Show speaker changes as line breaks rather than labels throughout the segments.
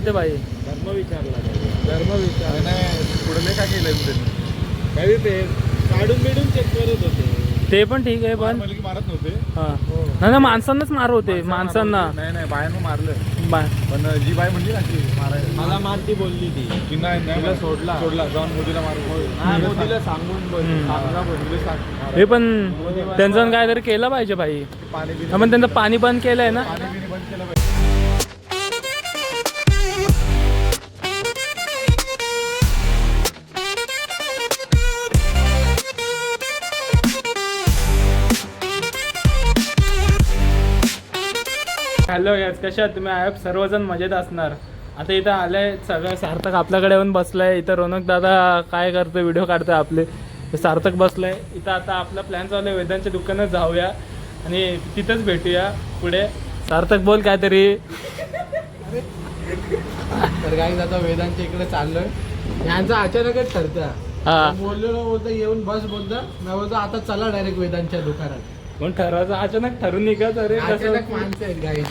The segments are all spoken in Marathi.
होते भाई?
धर्म विचार नाही पुढे काय केलंय त्यांनी काही ते काढून बिडून चेक करत होते.
ते पण ठीक आहे पण
मारत नव्हते.
हा ना माणसांनाच मार होते माणसांना.
नाही बायांना मारलं पण जी बाय म्हणली ना की मला मारती बोलली ती नाही सोडला जाऊन मोदीला मारून मोदीला सांगून
हे पण त्यांचं काहीतरी केलं पाहिजे भाई. आपण त्यांचं पाणी बंद केलंय ना.
बंद केलं पाहिजे.
हॅलो यस, कशा आहात तुम्ही? आय सर्वजण मजेत असणार. आता इथं आलंय सगळं सार्थक आपल्याकडे येऊन बसलाय. इथं रोनक दादा काय करतोय, व्हिडिओ काढतोय आपले. सार्थक बसलाय इथं. आता आपला प्लॅन चालू आहे वेदांच्या दुकानात जाऊया आणि तिथंच भेटूया पुढे. सार्थक बोल काहीतरी.
तर काही आता वेदांच्या इकडे चाललोय. यांचं अचानकच ठरतं. बोलतो येऊन बस बोलता मी बोलतो आता चला डायरेक्ट वेदांच्या दुकानात.
पण ठरवायचं अचानक ठरून निघत. अरे
अचानक माणसं आहेत गाई.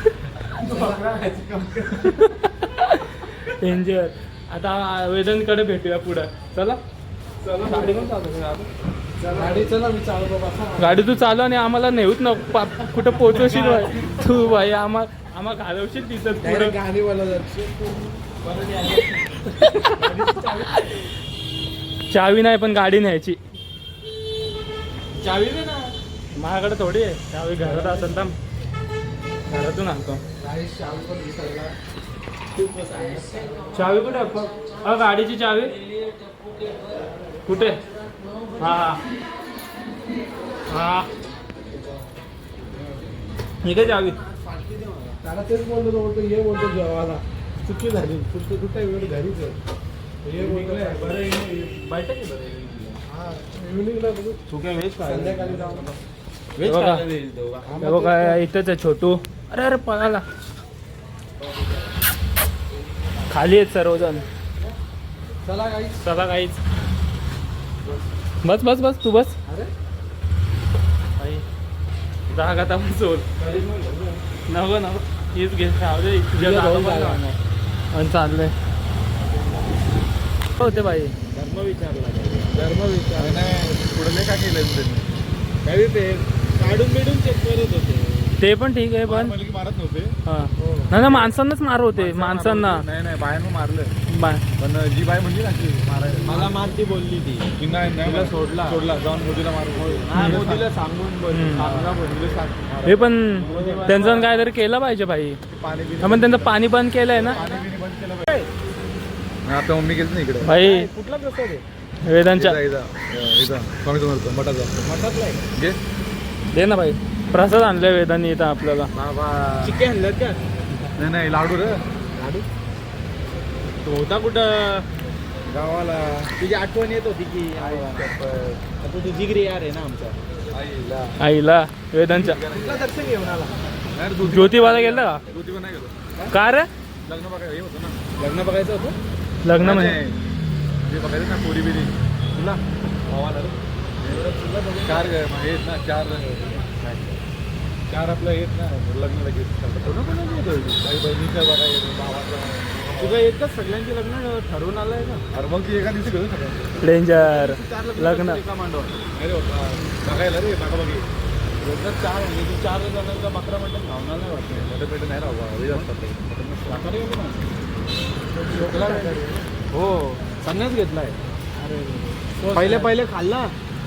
डेंजर. आता वेदांकडे भेटूया पुढं. चला गाडी पण
गाडी चला मी चालू बाबा.
गाडी तू चालव आणि आम्हाला नेऊच ना कुठं पोहोचवशील भाई तू भाई. आम्हाला घालवशील तिथं पुढं.
गाडी बोलत
चावी नाही पण गाडी न्यायची. चावी दे ना. माझ्याकडे थोडी आहे चावी. घरात असेल तर घरातून आणतो. चावी कुठे? गाडीची चावी कुठे? हा ही काय चावी?
त्याला तेच बोलतो बोलतो ये बोलतो जेवायला. चुकी झाली. कुठे वेळ घरीच आहे. इव्हिनिंगला बघू. संध्याकाळी जाऊ.
काय इथंच आहे छोटू. अरे पळाला. खाली आहेत सर्वजण. चला काहीच. बस बस बस तू बस.
अरे
जागा आता सोड नको हीच घे. आणि चाललंय होते भाई.
धर्म विचार नाही पुढे काय केलंय त्यांनी काही ते काढून बिडून चेक करत होते.
ते पण ठीक आहे पण
मारत नव्हते.
हा ना माणसांनाच मार होते माणसांना.
नाही बायांना मारलं पण जी बाय म्हणली ना की मला मारती बोलली ती नाही सोडला जाऊन मोदीला मारून मोदीला सांगून
हे पण त्यांचं काहीतरी केलं पाहिजे भाई. आपण त्यांचं पाणी बंद केलंय ना.
आता मम्मी गेली ना इकडे
भाई.
कुठला प्रसाद आहे?
वेदांच्या
स्वामी समर्थ मठातला घे.
दे ना भाई. प्रसाद आणलाय वेदांनी इथं आपल्याला.
चिकन आणलं का? नाही लाडू रे. लाडू तो होता कुठं? गावाला. तुझी आठवण येत होती की आता तू जिगरी यार आहे ना आमचा.
आईला वेदांच्या
दर्शन घेऊन आला.
ज्योतिबाला गेलं का?
ज्योतिबा नाही गेलो.
का रे?
लग्न बघायचं हे होतं ना. लग्न बघायचं होतं.
लग्न म्हणजे
जे बघायचं ना पोरी बिरी तुला भावाला रे. चार आहेत ना. चार आपलं येत ना लग्न लगेच. काही बहिणीचं बघायचं भावाचं. तुझं एकच सगळ्यांचे लग्न ठरवून आलंय का? अरे मग ती एका दिवशी घेऊ सगळं.
डेंजर लग्न.
अरे बघायला रे बघा बघी. चार म्हणजे 4 जणांचा बकरा मटण भावना नाही वाटत. मोठे पेट नाही राहू हो. संन्यास घेतलाय. अरे पहिले खाल्ला.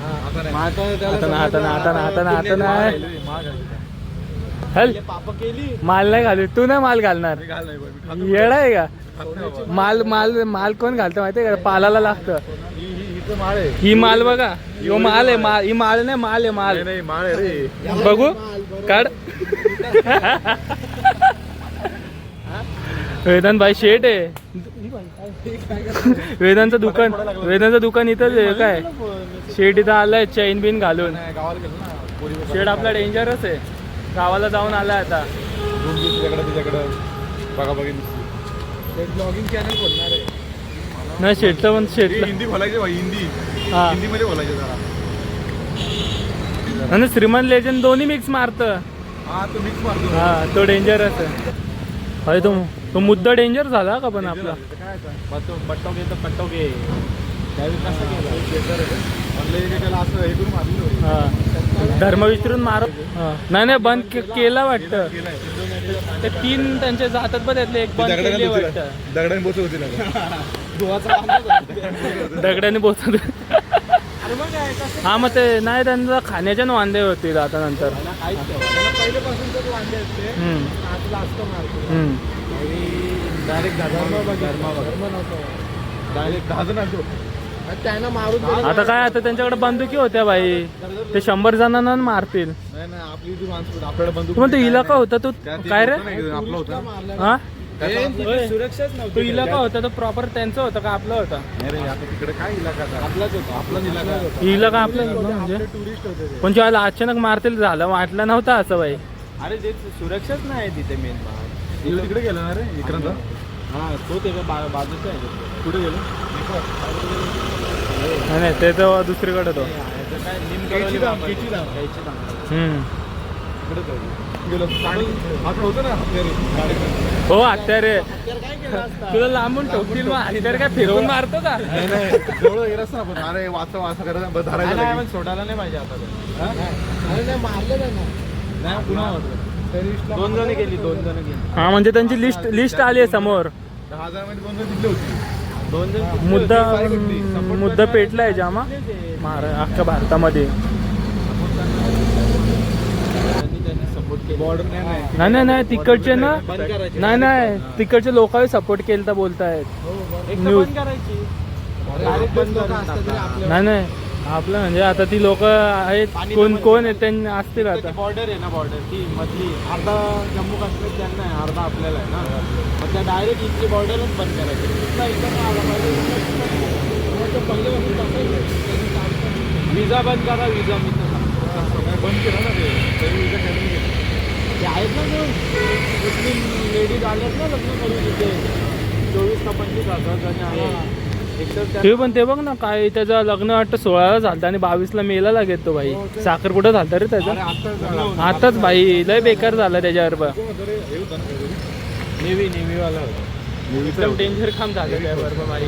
पाप केली.
माल नाही घालू. तू नाही माल घालणार. येडा आहे का? माल कोण घालतं माहितीये का? पालाला लागतं.
माळ आहे
ही माल बघा. यो माल आहे. ही माल नाही माल आहे. माल
नाही माळ आहे रे.
बघू काढ. वेदांत भाई शेट आहे. वेदांचं दुकान इथंच आहे काय? शेट इथं आलाय चैन बिन घालून. शेट आपला डेंजरच आहे. गावाला जाऊन आलाय आता.
तुझ्याकडं बघा बघी
ब्लॉगिंग चॅनल खोलणार आहे.
नाही शेटचं पण शेटला
हिंदी बोलायचे भाई. हिंदीमध्ये बोलायचे जरा.
आणि श्रीमंत लेजंड दोन्ही मिक्स मारतं.
हा तो मिक्स मारतो.
हा तो डेंजरच आहे भाई. तो तो मुद्दा डेंजर झाला का पण आपला
काय बट्टोगे तर पट्टोगे त्यावेळी कसं केलं ऑनलाईन त्याला असं हे करून मारलं
हा धर्म विसरून मार हा. नाही बंद केला वाटतं ते 3 त्यांच्या हातात पण त्यातले एक बंद केली वाटतं
दगडाने बोचत होती ना
दगडाने बोचत हा मग ते नाही त्यांचा खाण्याच्या वांदे होतील आता नंतर
पहिल्यापासून वांदे असते आतला असतो मारतो
डायरेक्ट डायरेक्ट दहा आणतो
त्यांना मारून
आता काय आता त्यांच्याकडे बंदुकी होत्या भाई ते 100 जणांना मारतील
नाही नाही आपली जी माणसं आपल्याला बंदूक
तू म्हणतो इलाका होता तो काय रे
आपला होता
हा
सुरक्षाच
तो इलाका होता तो प्रॉपर त्यांचा होता का आपला होता
नाही रे आता तिकडे काय इलाका आपलाच होता आपलाच इलाका
इलाका आपला म्हणजे
टुरिस्ट होते ते.
पण जेव्हा अचानक मारतील झालं वाटलं नव्हतं असं भाई
अरे ते सुरक्षाच नाही तिथे मेन भाग तिकडे गेला ना रे विक्रांत हा तो ते बाजूचा आहे कुठे गेलो
नाही ते तर दुसरीकडे तो
काय गेलो आता होतं ना
हो हत्यारे तुला लांबून ठोकतील मग हत्यार काय फिरवून मारतो का
नाही जवळ गेलास ना आपण अरे वाचव करायचं धरायचं सोडायला नाही पाहिजे आता
अरे नाही मारलं नाही
नाही पुन्हा 2 जण गेली 2 जण गेली
हा म्हणजे त्यांची लिस्ट आली आहे समोर
10,000 मध्ये 2 जण जिंकले होते 2 जण
मुद्दा पेटलाय जामा अख्ख्या भारतामध्ये
बॉर्डर
नाही तिकडचे ना नाही तिकडचे लोकांनी सपोर्ट केलं तर बोलतायत न्यूज नाही आपलं म्हणजे आता ती लोक आहेत कोण आहेत त्यांनी असतील आता
बॉर्डर आहे ना बॉर्डर ती मधली अर्धा जम्मू काश्मीर त्यांना आहे अर्धा आपल्याला आहे ना मग त्या डायरेक्ट इथली बॉर्डरच बंद विजा बंद करा विजा मी बंद केला ना ते विजा ते आहेत ना मुस्लिम लेडीज आल्यात ना लग्न करून तिथे 24 का 25,000 जण आहे
ते पण ते बघ ना काय त्याचं लग्न वाटतं 16ला झालं आणि 22ला मेला लागेल तो भाई साखरपुडा झालता रे त्याचा आताच भाई लय बेकार झाला त्याच्यावर
नेव्ही वाला
एकदम डेंजर काम झालं त्यावर भाई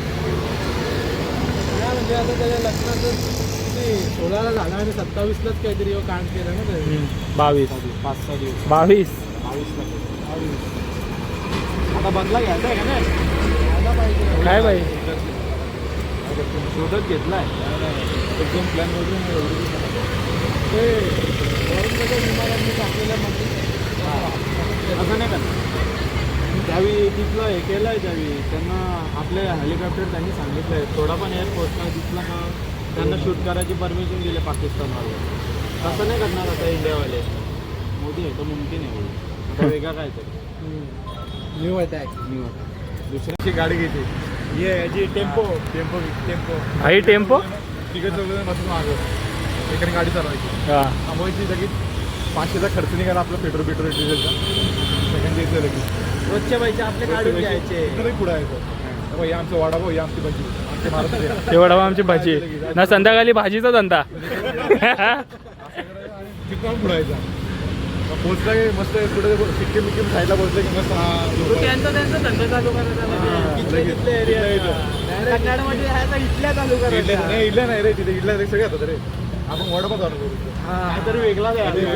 म्हणजे आता त्याच्या लग्नाचं 16ला झाला आणि 27लाच काहीतरी कांड केलं ना त्याने
22
5-6 दिवस
22
आता बदला घ्यायचा आहे का नाही
काय भाई
शोधत घेतलाय एकदम प्लॅन वगैरे
ते वरून विमानांनी टाकलेल्या
असं नाही का त्यावेळी तिथलं हे केलं आहे त्यावेळी त्यांना आपले हेलिकॉप्टर त्यांनी सांगितलं आहे थोडा पण एअरफोर्सला दिसला का त्यांना शूट करायची परमिशन दिली पाकिस्तानवाले तसं नाही करणार आता इंडियावाले मोदी आहे तो मुमकिन आहे आता वेगळा काय तरी
न्यू अटॅक
दुसऱ्याची गाडी घेते ये जी टेम्पो
आई टेम्पो
तिकडे चौघ बसून मागं एकाने गाडी चालवायची
हा
थांबवायची लगेच 500चा खर्च निघाला आपला पेट्रोल डिझेलचा सेकंड द्यायचं लगेच
रोजच्या पैसे आपले काढून घ्यायचे
इकडे पुढं आहे या आमचं वाडाभाऊ या आमची भाजी आमचे महाराष्ट्र
तेवढा आमची भाजी ना संध्याकाळी भाजीचा धंदा
तिथून पुढायचा पोचला की मस्त कुठे सिक्कीम साईडला पोचलं की मस्त
त्यांचा धंदा चालू इथल्या चालू करायचा
नाही इडल्या नाही रे तिथे इडल्या सगळे होतात रे आपण वडापाव चालू करू
तरी वेगळा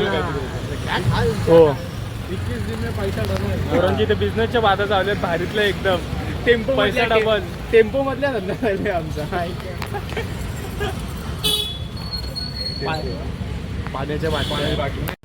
हो
21 दिन में पैसा डबल
पोरांची ते बिझनेसच्या बाधा चालू भारीतलं एकदम टेम्पो पैसा डबल
टेम्पो मधल्या धंदा चालू आमचा
पाण्याच्या बाटल्या